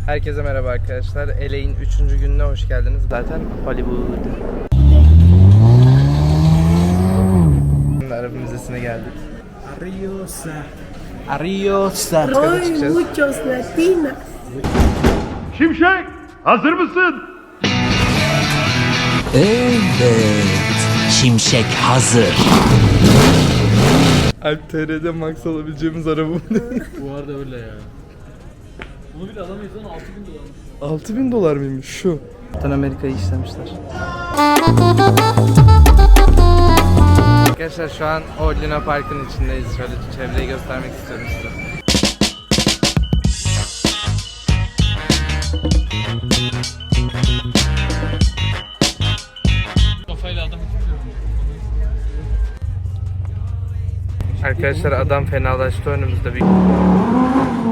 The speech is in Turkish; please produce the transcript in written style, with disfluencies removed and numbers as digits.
Herkese merhaba arkadaşlar. LA'in 3. gününe hoş geldiniz. Zaten Hollywood. Şimdi Arap Müzesi'ne geldik. Ariosa. Hoy muchos latinas. Şimşek, hazır mısın? Evet, Şimşek hazır. Alp TR'de max alabileceğimiz araba bu. Bu arada öyle ya. Bunu bile alamayız lan, 6.000 dolarmış. 6.000 dolar mıymış şu? Kaptan Amerika'yı işlemişler. Arkadaşlar şu an o Luna Park'ın içindeyiz. Şöyle çevreyi göstermek istiyorum size. Kafayla adamı tutuyorum. Arkadaşlar adam fenalaştı önümüzde bir...